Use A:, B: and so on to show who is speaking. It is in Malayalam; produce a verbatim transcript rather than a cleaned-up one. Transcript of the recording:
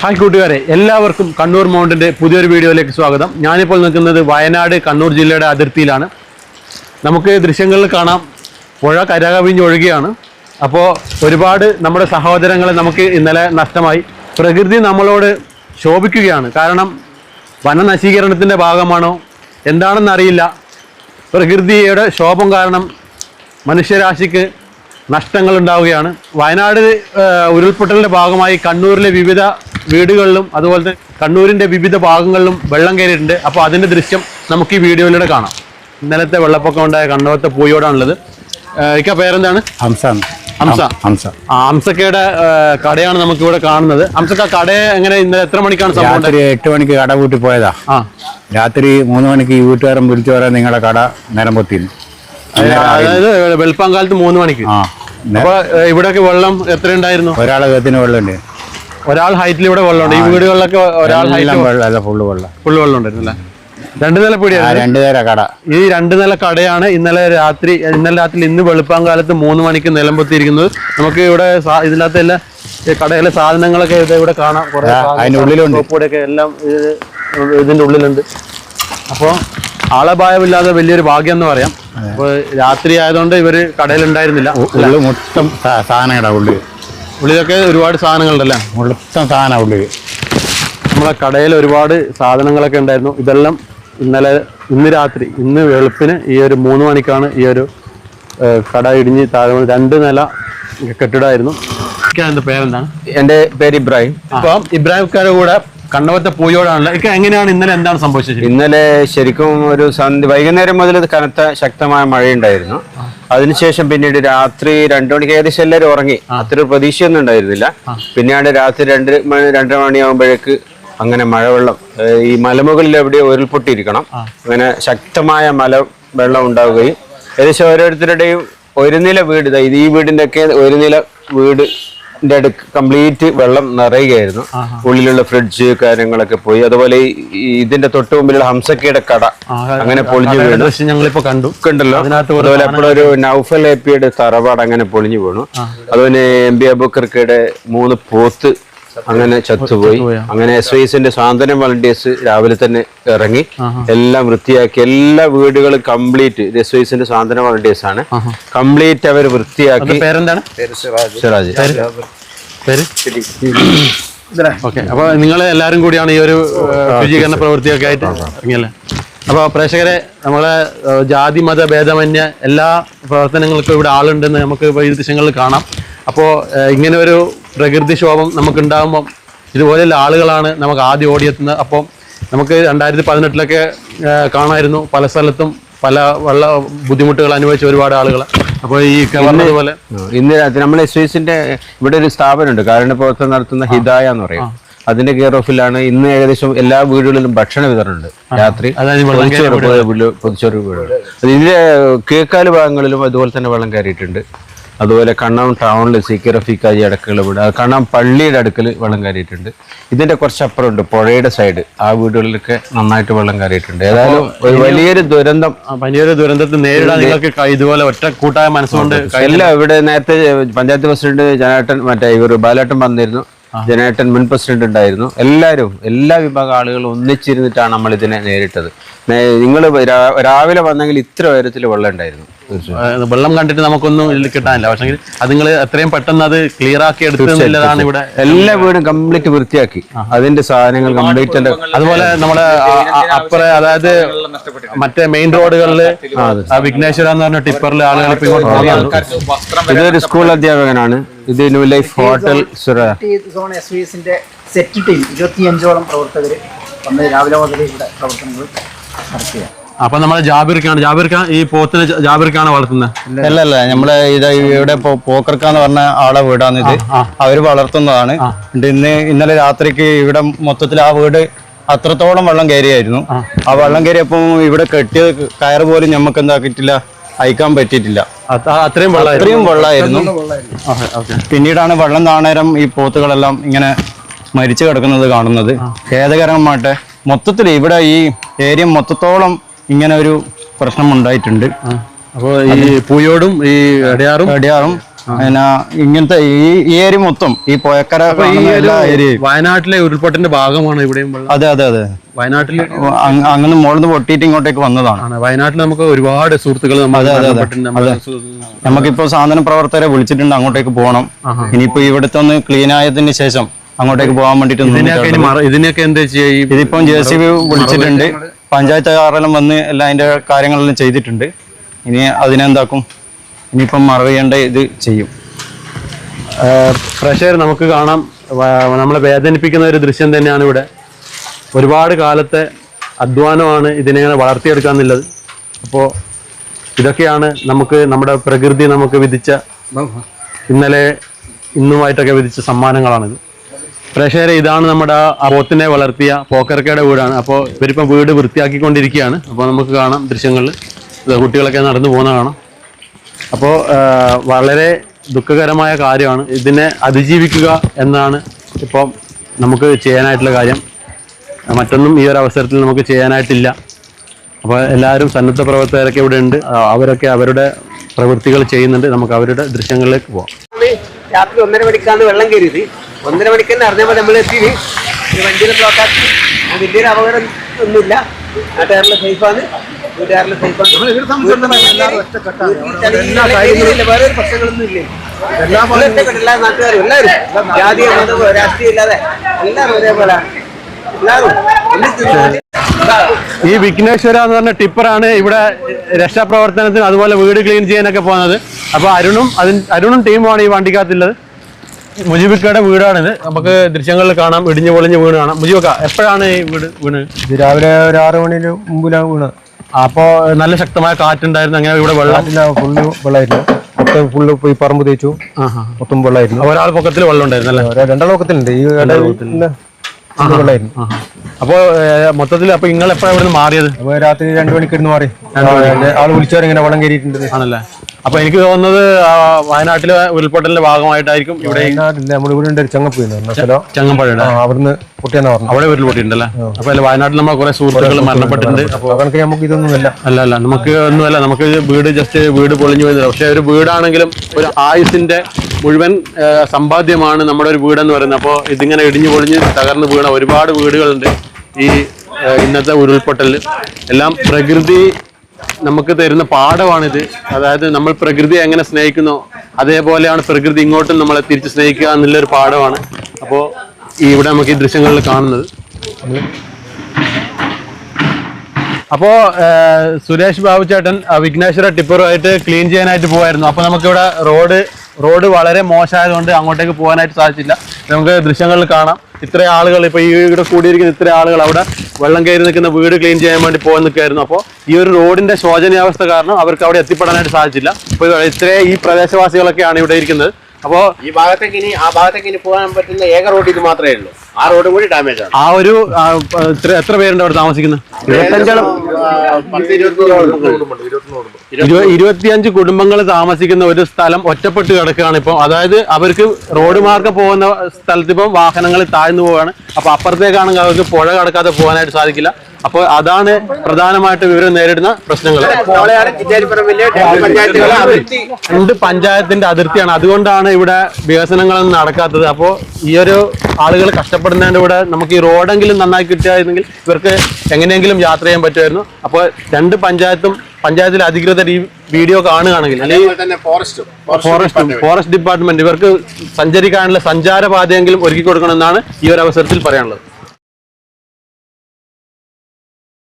A: ഹായ് കൂട്ടുകാരെ, എല്ലാവർക്കും കണ്ണൂർ മൗണ്ടിൻ്റെ പുതിയൊരു വീഡിയോയിലേക്ക് സ്വാഗതം. ഞാനിപ്പോൾ നിൽക്കുന്നത് വയനാട് കണ്ണൂർ ജില്ലയുടെ അതിർത്തിയിലാണ്. നമുക്ക് ദൃശ്യങ്ങളിൽ കാണാം, പുഴ കരകവിഞ്ഞൊഴുകയാണ്. അപ്പോൾ ഒരുപാട് നമ്മുടെ സഹോദരങ്ങളെ നമുക്ക് ഇന്നലെ നഷ്ടമായി. പ്രകൃതി നമ്മളോട് ശോഭിക്കുകയാണ്. കാരണം വനനശീകരണത്തിൻ്റെ ഭാഗമാണോ എന്താണെന്നറിയില്ല, പ്രകൃതിയുടെ ശോഭം കാരണം മനുഷ്യരാശിക്ക് നഷ്ടങ്ങൾ ഉണ്ടാവുകയാണ്. വയനാട് ഉരുൾപൊട്ടലിൻ്റെ ഭാഗമായി കണ്ണൂരിലെ വിവിധ വീടുകളിലും അതുപോലെ തന്നെ കണ്ണൂരിൻ്റെ വിവിധ ഭാഗങ്ങളിലും വെള്ളം കയറിയിട്ടുണ്ട്. അപ്പോൾ അതിൻ്റെ ദൃശ്യം നമുക്ക് ഈ വീഡിയോയിലൂടെ കാണാം. ഇന്നലത്തെ വെള്ളപ്പൊക്കം ഉണ്ടായ കണ്ണൂരത്തെ പൂയോടാണുള്ളത്. ഇക്ക പേരെന്താണ്?
B: ഹംസ.
A: ഹംസ
B: ഹംസ
A: ആ ഹംസക്കയുടെ കടയാണ് നമുക്കിവിടെ കാണുന്നത്. ഹംസക്ക, കട എങ്ങനെ ഇന്നലെ എത്ര മണിക്കാണ് സംഭവം?
B: രാത്രി എട്ട് മണിക്ക് കട പൂട്ടി പോയതാ.
A: ആ
B: രാത്രി മൂന്ന് മണിക്ക് ഈ വീട്ടുകാരൻ വിളിച്ചു പറയാൻ നിങ്ങളുടെ കട നേരം പൊത്തിന്ന്.
A: അതായത് വെളുപ്പാങ്കാലത്ത് മൂന്ന് മണിക്ക്.
B: ആ
A: അപ്പൊ ഇവിടെയൊക്കെ വെള്ളം എത്ര ഉണ്ടായിരുന്നു?
B: ഒരാളെ കത്തിന് വെള്ളമുണ്ട്.
A: ഒരാൾ ഹൈറ്റിൽ ഇവിടെ വെള്ളമുണ്ട്. ഈ വീടുകളിലൊക്കെ ഒരാൾ
B: വെള്ളം ഫുള്ള് വെള്ളം
A: ഫുള്ള് വെള്ളം ഉണ്ടായിരുന്നു അല്ലേ? രണ്ടു നില പീടിയാണ്.
B: രണ്ടു നേര കട.
A: ഈ രണ്ടു നില കടയാണ് ഇന്നലെ രാത്രി ഇന്നലെ രാത്രി ഇന്ന് വെളുപ്പാങ്കാലത്ത് മൂന്ന് മണിക്ക് നിലംപൊത്തിയിരിക്കുന്നത്. നമുക്ക് ഇവിടെ ഇതിനകത്ത് എല്ലാ കടയിലെ സാധനങ്ങളൊക്കെ ഇവിടെ കാണാം. കുറെ
B: അതിന്റെ ഉള്ളിലുണ്ട്,
A: കൂടെയൊക്കെ എല്ലാം ഇതിന്റെ ഉള്ളിലുണ്ട്. അപ്പോൾ ആളപായമില്ലാതെ വലിയൊരു ഭാഗ്യം എന്ന് പറയാം. അപ്പോൾ രാത്രി ആയതുകൊണ്ട് ഇവര് കടയിലുണ്ടായിരുന്നില്ല.
B: ഉള്ളു മൊത്തം സാധനങ്ങളുടെ ഉള്ളിൽ
A: ഉള്ളിലൊക്കെ ഒരുപാട് സാധനങ്ങളുണ്ടല്ലേ?
B: മൊത്തം സാധനം ഉള്ളിൽ.
A: നമ്മളെ കടയിൽ ഒരുപാട് സാധനങ്ങളൊക്കെ ഉണ്ടായിരുന്നു. ഇതെല്ലാം ഇന്നലെ ഇന്ന് രാത്രി ഇന്ന് വെളുപ്പിന് ഈ ഒരു മൂന്ന് മണിക്കാണ് ഈ ഒരു കട ഇടിഞ്ഞ് താഴെ. രണ്ട് നില കെട്ടിടമായിരുന്നു. എൻ്റെ പേരെന്താണ്?
B: എൻ്റെ പേര് ഇബ്രാഹിം.
A: അപ്പം ഇബ്രാഹിംക്കാരുടെ കൂടെ കണ്ണവത്തെ പൂയോടാണല്ലോ. ഇക്ക എങ്ങനെയാണ് ഇന്നലെ എന്താണ് സംഭവിച്ചത്?
B: ഇന്നലെ ശരിക്കും ഒരു സന്ധ്യ വൈകുന്നേരം മുതൽ കനത്ത ശക്തമായ മഴയുണ്ടായിരുന്നു. അതിനുശേഷം പിന്നീട് രാത്രി രണ്ടു മണിക്ക് ഏകദേശം എല്ലാവരും ഉറങ്ങി. അത്ര പ്രതീക്ഷയൊന്നും ഉണ്ടായിരുന്നില്ല. പിന്നീട് രാത്രി രണ്ട് മണി രണ്ടര മണിയാകുമ്പോഴേക്ക് അങ്ങനെ മഴവെള്ളം ഈ മലമുകളിൽ എവിടെ ഉരുൾപൊട്ടിയിരിക്കണം, അങ്ങനെ ശക്തമായ മല വെള്ളം ഉണ്ടാവുകയും ഏകദേശം ഓരോരുത്തരുടെയും ഒരു നില വീട്, ഇത് ഈ വീടിന്റെ ഒക്കെ ഒരു നില വീട് അടുക്ക് കംപ്ലീറ്റ് വെള്ളം നിറയുകയായിരുന്നു. ഉള്ളിലുള്ള ഫ്രിഡ്ജ് കാര്യങ്ങളൊക്കെ പോയി. അതുപോലെ ഇതിന്റെ തൊട്ട് മുമ്പിലുള്ള ഹംസക്കയുടെ കട അങ്ങനെ പൊളിഞ്ഞു വീണു.
A: ഞങ്ങളിപ്പോ കണ്ടു
B: കണ്ടല്ലോ. അതുപോലെ എപ്പോഴൊരു നൗഫൽ എപ്പിയുടെ തറവാട് അങ്ങനെ പൊളിഞ്ഞു വീണു. അതുപോലെ എം ബി അബൂക്കർക്കയുടെ മൂന്ന് പോത്ത് അങ്ങനെ ചത്തുപോയി. അങ്ങനെ എസ് വൈസിന്റെ സ്വാതന്ത്ര്യം വളണ്ടിയേഴ്സ് രാവിലെ തന്നെ ഇറങ്ങി എല്ലാം വൃത്തിയാക്കി. എല്ലാ വീടുകളും കംപ്ലീറ്റ് എസ് വൈസിന്റെ സ്വാതന്ത്ര്യം വളണ്ടിയേഴ്സ് ആണ്. കംപ്ലീറ്റ് അവർ വൃത്തിയാക്കി.
A: പേരെന്താണ്?
B: സിറാജ്.
A: ഓക്കെ. അപ്പൊ നിങ്ങൾ എല്ലാവരും കൂടിയാണ് ഈ ഒരു ശുചീകരണ പ്രവൃത്തിയൊക്കെ ആയിട്ട് ഇറങ്ങിയല്ലേ? അപ്പോൾ പ്രേക്ഷകരെ, നമ്മളെ ജാതി മത ഭേദമന്യേ എല്ലാ പ്രവർത്തനങ്ങൾക്കും ഇവിടെ ആളുണ്ടെന്ന് നമുക്ക് ഈ ദൃശ്യങ്ങളിൽ കാണാം. അപ്പോൾ ഇങ്ങനെ ഒരു പ്രകൃതിക്ഷോഭം നമുക്കുണ്ടാകുമ്പം ഇതുപോലെയുള്ള ആളുകളാണ് നമുക്ക് ആദ്യം ഓടിയെത്തുന്നത്. അപ്പോൾ നമുക്ക് രണ്ടായിരത്തി പതിനെട്ടിലൊക്കെ കാണായിരുന്നു പല സ്ഥലത്തും പല വെള്ള ബുദ്ധിമുട്ടുകൾ അനുഭവിച്ച ഒരുപാട് ആളുകൾ. അപ്പോൾ ഈ പറഞ്ഞതുപോലെ
B: ഇന്ന് നമ്മൾ എസ് വൈസിന്റെ ഇവിടെ ഒരു സ്ഥാപനമുണ്ട്, കാരുണ്യ പ്രവർത്തനം നടത്തുന്ന ഹിദായ എന്ന് പറയും. അതിന്റെ കെയർ ഓഫിലാണ് ഇന്ന് ഏകദേശം എല്ലാ വീടുകളിലും ഭക്ഷണ വിതരണമുണ്ട്. രാത്രി പൊതിച്ചോറ് വീടുകൾ. ഇതിന്റെ കേക്കാല് ഭാഗങ്ങളിലും അതുപോലെ തന്നെ വെള്ളം കയറിയിട്ടുണ്ട്. അതുപോലെ കണ്ണാം ടൗണിൽ സി കെ റഫീഖാജി അടുക്കള വീട്, കണ്ണാം പള്ളിയുടെ അടുക്കൽ വെള്ളം കയറിയിട്ടുണ്ട്. ഇതിന്റെ കുറച്ചപ്പുറം ഉണ്ട് പുഴയുടെ സൈഡ്, ആ വീടുകളിലൊക്കെ നന്നായിട്ട് വെള്ളം കയറിയിട്ടുണ്ട്. ഏതായാലും ഒരു വലിയൊരു ദുരന്തം,
A: വലിയൊരു ദുരന്തത്തെ നേരിടാൻ നിങ്ങൾക്ക് ഇതുപോലെ ഒറ്റ കൂട്ടായ മനസ്സുകൊണ്ട്
B: എല്ലാം. ഇവിടെ നേരത്തെ പഞ്ചായത്ത് പ്രസിഡന്റ് ജനേട്ടൻ മറ്റേ ഇവർ ബാലേട്ടൻ വന്നിരുന്നു, ജനേട്ടൻ മുൻ പ്രസിഡന്റ് ഉണ്ടായിരുന്നു. എല്ലാവരും എല്ലാ വിഭാഗം ആളുകളും ഒന്നിച്ചിരുന്നിട്ടാണ് നമ്മൾ ഇതിനെ നേരിട്ടത്. നിങ്ങൾ രാവിലെ വന്നെങ്കിൽ ഇത്ര ഉയരത്തിൽ വെള്ളം ഉണ്ടായിരുന്നു.
A: വെള്ളം കണ്ടിട്ട് നമുക്കൊന്നും ഇതിൽ കിട്ടാനില്ല. പക്ഷേ അത് നിങ്ങൾ എത്രയും പെട്ടെന്ന് അത് ക്ലിയർ ആക്കി എടുത്തതാണ്. ഇവിടെ എല്ലാ
B: വീടും കംപ്ലീറ്റ് വൃത്തിയാക്കി അതിന്റെ സാധനങ്ങൾ കംപ്ലീറ്റ്.
A: അതുപോലെ നമ്മുടെ അപ്പുറം, അതായത് മറ്റേ മെയിൻ റോഡുകളിൽ വിഘ്നേശ്വര എന്ന് പറഞ്ഞ ടിപ്പറിൽ ആളുകൾ ഇപ്പൊ ഇങ്ങോട്ട് പോകുന്നത്.
B: ഇതൊരു സ്കൂൾ അധ്യാപകനാണ്. ഇത് new life hotel
C: set team ഇരുപത്തിയഞ്ചോളം പ്രവർത്തകർ വന്ന് രാവിലെ മുതൽ ഇവിടെ പ്രവർത്തനങ്ങൾ നടത്തുക.
A: അപ്പൊ നമ്മളെ ജാബിർക്കാണ് ജാബിർക്ക ഈ പോത്തിന് ജാബിർക്കാണ് വളർത്തുന്നത്?
D: അല്ല അല്ല നമ്മളെ ഇത് ഇവിടെ പോക്കർക്കാന്ന് പറഞ്ഞ ആളെ വീടാണ് ഇത്. അവര് വളർത്തുന്നതാണ്. ഇന്ന് ഇന്നലെ രാത്രിക്ക് ഇവിടെ മൊത്തത്തിൽ ആ വീട് അത്രത്തോളം വെള്ളം കയറിയായിരുന്നു. ആ വെള്ളം കയറിയപ്പോൾ ഇവിടെ കെട്ടിയ കയറ് പോലും നമുക്ക് എന്താക്കിയിട്ടില്ല, അയക്കാൻ പറ്റിയിട്ടില്ല.
A: അത്രയും
D: അത്രയും വെള്ളമായിരുന്നു. പിന്നീടാണ് വെള്ളം താണേരം ഈ പോത്തുകളെല്ലാം ഇങ്ങനെ മരിച്ചു കിടക്കുന്നത് കാണുന്നത്. ഖേദകരമാട്ടെ മൊത്തത്തിൽ ഇവിടെ ഈ ഏരിയ മൊത്തത്തോളം ഇങ്ങനെ ഒരു പ്രശ്നം ഉണ്ടായിട്ടുണ്ട്.
A: അപ്പോൾ ഈ പൂയോടും ഈ അടയാറും
D: അടയാറും പിന്നെ ഇങ്ങനത്തെ ഈ ഈ ഏരിയ മൊത്തം ഈ പുഴക്കര
A: ഈ
D: കാണുന്ന
A: ഒരു
D: എല്ലാ ഏരിയയും.
A: വയനാട്ടിലെ ഉരുൾപൊട്ടലിന്റെ ഭാഗമാണ് ഇവിടെയും വെള്ളം.
D: അതെ അതെ അതെ
A: വയനാട്ടിൽ
D: അങ് അങ്ങനെ മുകളിൽ പൊട്ടിയിട്ട് ഇങ്ങോട്ടേക്ക് വന്നതാണ്.
A: ആണ് വയനാട്ടിൽ നമുക്ക് ഒരുപാട് സുഹൃത്തുക്കൾ നമ്മൾ മരണപ്പെട്ടിട്ടുണ്ട്. നമ്മളെ സു-
D: നമുക്കിപ്പോ സാധന പ്രവർത്തകരെ വിളിച്ചിട്ടുണ്ട്, അങ്ങോട്ടേക്ക് പോകണം. ഇനിയിപ്പോ ഇവിടുത്തെ ഒന്ന് ക്ലീൻ ആയതിന് ശേഷം അങ്ങോട്ടേക്ക് പോകാൻ വേണ്ടിട്ട്
A: ഇതിനെയൊക്കെ ഇനി മറ- ഇതിനെയൊക്കെ എന്താ ചെയ്യുക? ഈ
D: ഇതിപ്പം ജെ സി ബി വിളിച്ചിട്ടുണ്ട്, പഞ്ചായത്ത് കാരെല്ലാം വന്ന് എല്ലാം അതിന്റെ കാര്യങ്ങളെല്ലാം ചെയ്തിട്ടുണ്ട്. ഇനി അതിനെന്താക്കും, ഇനിയിപ്പം മറവിയേണ്ട ഇത് ചെയ്യും.
A: പ്രഷർ നമുക്ക് കാണാം. വ- നമ്മളെ വേദനിപ്പിക്കുന്ന ഒരു ദൃശ്യം തന്നെയാണ് ഇവിടെ. ഒരുപാട് കാലത്തെ അധ്വാനമാണ് ഇതിനെങ്ങനെ വളർത്തിയെടുക്കാന്നുള്ളത്. അപ്പോൾ ഇതൊക്കെയാണ് നമുക്ക് നമ്മുടെ പ്രകൃതി നമുക്ക് വിധിച്ച, ഇന്നലെ ഇന്നുമായിട്ടൊക്കെ വിധിച്ച സമ്മാനങ്ങളാണിത്. പ്രേക്ഷകരെ, ഇതാണ് നമ്മുടെ ആ പോത്തിനെ വളർത്തിയ പോക്കർക്കയുടെ വീടാണ്. അപ്പോൾ ഇവരിപ്പം വീട് വൃത്തിയാക്കിക്കൊണ്ടിരിക്കുകയാണ്. അപ്പോൾ നമുക്ക് കാണാം ദൃശ്യങ്ങളിൽ കുട്ടികളൊക്കെ നടന്നു പോകുന്ന കാണാം. അപ്പോൾ വളരെ ദുഃഖകരമായ കാര്യമാണ്. ഇതിനെ അതിജീവിക്കുക എന്നാണ് ഇപ്പം നമുക്ക് ചെയ്യാനായിട്ടുള്ള കാര്യം. മറ്റൊന്നും ഈ ഒരു അവസരത്തിൽ നമുക്ക് ചെയ്യാനായിട്ടില്ല. അപ്പോൾ എല്ലാവരും സന്നദ്ധ പ്രവർത്തകരൊക്കെ ഇവിടെ ഉണ്ട്. അവരൊക്കെ അവരുടെ പ്രവൃത്തികൾ ചെയ്യുന്നുണ്ട്. നമുക്ക് അവരുടെ ദൃശ്യങ്ങളിലേക്ക് പോവാം.
E: രാത്രി ഒന്നര മണിക്കാണ് വെള്ളം കയറിയത്. ഒന്നര മണിക്ക് തന്നെ അറിഞ്ഞപ്പോൾ നമ്മൾ എത്തി വണ്ടിയിൽ ബ്ലോക്കാക്കി. വലിയൊരു അപകടം ഒന്നുമില്ല. നാട്ടുകാരിലെ സേഫാണ്, വീട്ടുകാരിലെ സേഫാണ്. വേറെ ഒരു പ്രശ്നങ്ങളൊന്നും ഇല്ലേ? ഒറ്റക്കെട്ടല്ല, നാട്ടുകാരും എല്ലാവരും ജാതിയോ മതമോ രാഷ്ട്രീയം ഇല്ലാതെ എല്ലാവരും ഒരേപോലെ എല്ലാവരും.
A: ഈ വിഘ്നേശ്വര എന്ന് പറഞ്ഞ ടിപ്പറാണ് ഇവിടെ രക്ഷാപ്രവർത്തനത്തിന് അതുപോലെ വീട് ക്ലീൻ ചെയ്യാനൊക്കെ പോകുന്നത്. അപ്പോൾ അരുണും അതിന് അരുണും ടീമുമാണ് ഈ വണ്ടിക്കകത്തുള്ളത്. മുജിബിക്കയുടെ വീടാണിത്. നമുക്ക് ദൃശ്യങ്ങളിൽ കാണാം, ഇടിഞ്ഞു പൊളിഞ്ഞ് വീണ് കാണാം. മുജിബക്ക, എപ്പോഴാണ് ഈ വീട് വീണ്?
F: ഇത് രാവിലെ ഒരു ആറ് മണിന് മുമ്പിലാണ് വീണ്.
A: അപ്പോൾ നല്ല ശക്തമായ കാറ്റുണ്ടായിരുന്നു. അങ്ങനെ ഇവിടെ വെള്ളം
F: ഫുള്ള് വെള്ളമായിരുന്നു. മൊത്തം ഫുള്ള് പോയി പറമ്പ് തേച്ചു, മൊത്തം വെള്ളമായിരുന്നു.
A: ഒരാൾ പൊക്കത്തിൽ വെള്ളം ഉണ്ടായിരുന്നു അല്ലേ?
F: രണ്ടാം ലോകത്തിലുണ്ട് ഈ ഇടയിൽ വെള്ളമായിരുന്നു.
A: അപ്പോൾ മൊത്തത്തിൽ അപ്പോൾ നിങ്ങൾ എപ്പോഴാണ് ഇവിടെ നിന്ന് മാറിയത്?
F: അപ്പൊ രാത്രി രണ്ടു മണിക്ക് ഇരുന്ന് മാറി. ആള് വിളിച്ചവരിങ്ങനെ വെള്ളം കയറിയിട്ടുണ്ട്.
A: ആണല്ലേ? അപ്പൊ എനിക്ക് തോന്നുന്നത് ആ, വയനാട്ടിലെ ഉരുൾപൊട്ടലിന്റെ ഭാഗമായിട്ടായിരിക്കും ഇവിടെ
F: വയനാട്ടില്ല, നമ്മുടെ ഇവിടെ ഉണ്ട് ഒരു ചങ്ങപ്പുഴ സ്ഥലം,
A: ചങ്ങമ്പഴ
F: അവിടുന്ന് പൊട്ടിയെന്നാ പറഞ്ഞു.
A: അവിടെ ഉരുൾപൊട്ടിയിട്ടുണ്ടല്ലേ? അപ്പൊ അല്ല, വയനാട്ടിൽ നമ്മളെ കുറെ സുഹൃത്തുക്കൾ മരണപ്പെട്ടിട്ടുണ്ട്.
F: അപ്പൊ കണക്ക് നമുക്ക് ഇതൊന്നുമില്ല.
A: അല്ല അല്ല നമുക്ക് ഒന്നുമല്ല, നമുക്ക് വീട് ജസ്റ്റ് വീട് പൊളിഞ്ഞു പോയത്. പക്ഷെ ഒരു വീടാണെങ്കിലും ഒരു ആയുസിന്റെ മുഴുവൻ ആ, സമ്പാദ്യമാണ് നമ്മുടെ ഒരു വീടെന്ന് പറയുന്നത്. അപ്പോൾ ഇതിങ്ങനെ ഇടിഞ്ഞു പൊളിഞ്ഞ് തകർന്ന് വീണ ഒരുപാട് വീടുകളുണ്ട് ഈ ആ, ഇന്നത്തെ ഉരുൾപൊട്ടലിൽ. എല്ലാം പ്രകൃതി നമുക്ക് തരുന്ന പാഠമാണിത്. അതായത് നമ്മൾ പ്രകൃതിയെ എങ്ങനെ സ്നേഹിക്കുന്നോ അതേപോലെയാണ് പ്രകൃതി ഇങ്ങോട്ടും നമ്മളെ തിരിച്ച് സ്നേഹിക്കുക എന്നുള്ളൊരു പാഠമാണ്. അപ്പോൾ ഈ ഇവിടെ നമുക്ക് ഈ ദൃശ്യങ്ങളിൽ കാണുന്നത്. അപ്പോൾ സുരേഷ് ബാബു ചേട്ടൻ വിഘ്നേശ്വര ടിപ്പറുമായിട്ട് ക്ലീൻ ചെയ്യാനായിട്ട് പോകായിരുന്നു. അപ്പോൾ നമുക്കിവിടെ റോഡ് റോഡ് വളരെ മോശമായതുകൊണ്ട് അങ്ങോട്ടേക്ക് പോകാനായിട്ട് സാധിച്ചില്ല. നമുക്ക് ദൃശ്യങ്ങളിൽ കാണാം, ഇത്ര ആളുകൾ ഇപ്പോൾ ഈ ഇവിടെ കൂടിയിരിക്കുന്ന ഇത്ര ആളുകൾ അവിടെ വെള്ളം കയറി നിൽക്കുന്ന വീട് ക്ലീൻ ചെയ്യാൻ വേണ്ടി പോകാൻ നിൽക്കുകയായിരുന്നു. അപ്പോൾ ഈ ഒരു റോഡിന്റെ ശോചനീയാവസ്ഥ കാരണം അവർക്ക് അവിടെ എത്തിപ്പെടാനായിട്ട് സാധിച്ചില്ല. അപ്പോൾ ഇത്ര ഈ പ്രദേശവാസികളൊക്കെയാണ് ഇവിടെ ഇരിക്കുന്നത്. അപ്പോൾ
E: ഈ ഭാഗത്തേക്ക് ഇനി ആ ഭാഗത്തേക്ക് ഇനി പോകാൻ പറ്റുന്ന ഏക റോഡ് ഇത് മാത്രമേ ഉള്ളൂ. ആ റോഡും കൂടി ഡാമേജ് ആണ്.
A: ആ ഒരു ആ, ഇത്ര- എത്ര പേരുണ്ട് അവിടെ താമസിക്കുന്നത്?
E: ഇരുപത്തഞ്ചോളം പത്ത് ഇരുപത്തി
A: ഇരുപത്തിയഞ്ച് കുടുംബങ്ങൾ താമസിക്കുന്ന ഒരു സ്ഥലം ഒറ്റപ്പെട്ട് കിടക്കുകയാണ് ഇപ്പോൾ. അതായത് അവർക്ക് റോഡ് മാർഗം പോകുന്ന സ്ഥലത്ത് ഇപ്പം വാഹനങ്ങൾ താഴ്ന്നു പോവുകയാണ്. അപ്പൊ അപ്പുറത്തേക്കാണെങ്കിൽ അവർക്ക് പുഴ കടക്കാതെ പോകാനായിട്ട് സാധിക്കില്ല. അപ്പോൾ അതാണ് പ്രധാനമായിട്ട് ഇവർ നേരിടുന്ന പ്രശ്നങ്ങൾ. രണ്ട് പഞ്ചായത്തിന്റെ അതിർത്തിയാണ്, അതുകൊണ്ടാണ് ഇവിടെ വികസനങ്ങളൊന്നും നടക്കാത്തത്. അപ്പോൾ ഈ ഒരു ആളുകൾ കഷ്ടപ്പെടുന്നതിന്റെ കൂടെ നമുക്ക് ഈ റോഡെങ്കിലും നന്നായി കിട്ടുകയായിരുന്നെങ്കിൽ ഇവർക്ക് എങ്ങനെയെങ്കിലും യാത്ര ചെയ്യാൻ പറ്റുമായിരുന്നു. അപ്പോൾ രണ്ട് പഞ്ചായത്തും പഞ്ചായത്തിലെ അധികൃതർ ഈ വീഡിയോ കാണുകയാണെങ്കിൽ അല്ലെങ്കിൽ ഫോറസ്റ്റും ഫോറസ്റ്റ് ഡിപ്പാർട്ട്മെന്റ് ഇവർക്ക് സഞ്ചരിക്കാനുള്ള സഞ്ചാരപാതയെങ്കിലും ഒരുക്കി കൊടുക്കണമെന്നാണ് ഈ ഒരു അവസരത്തിൽ പറയാനുള്ളത്.